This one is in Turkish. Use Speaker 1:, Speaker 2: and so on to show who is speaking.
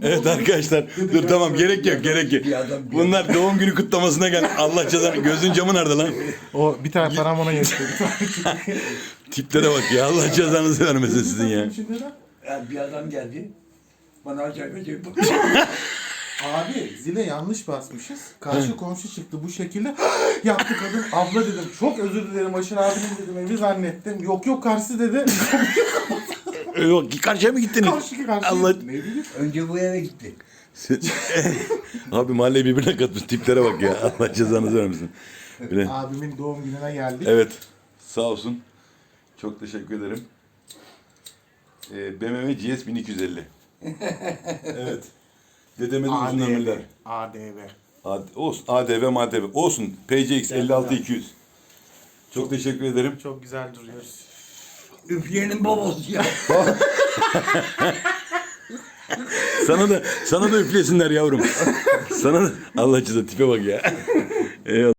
Speaker 1: Evet arkadaşlar. Dur tamam gerek yok gerek yok. Bunlar doğum günü kutlamasına gel. Allah cezanı. Gözün camı nerede lan?
Speaker 2: O bir tane param ona yetti.
Speaker 1: Tiplere bak ya. Allah cezanızı vermesin sizin ya.
Speaker 3: Yani bir adam geldi. Bana acayip acayip
Speaker 2: Abi zile yanlış basmışız. Karşı komşu çıktı bu şekilde. Yaptı kadın. Abla dedim çok özür dilerim Aşır abinin dedim evi zannettim. Yok yok karşı dedi.
Speaker 1: Yok karşıya mı gittiniz?
Speaker 2: Karşı.
Speaker 1: Allah.
Speaker 2: Ne bileyim.
Speaker 3: Önce bu eve gitti.
Speaker 1: Abi mahalleyi birbirine katmış. Tiplere bak ya. Allah cezanızı vermesin. Bile.
Speaker 2: Abimin doğum gününe geldik.
Speaker 1: Evet. Sağ olsun. Çok teşekkür ederim. BMW GS 1250. Evet. Dedeme de uzun ömürler. Olsun. ADV, MADV. Olsun. PCX 56200. Çok teşekkür ederim.
Speaker 2: Çok güzel duruyoruz.
Speaker 3: Üfleyenin babası ya.
Speaker 1: Sana da üflesinler yavrum. Sana da Allah cezanı tipe bak ya. Eyvallah.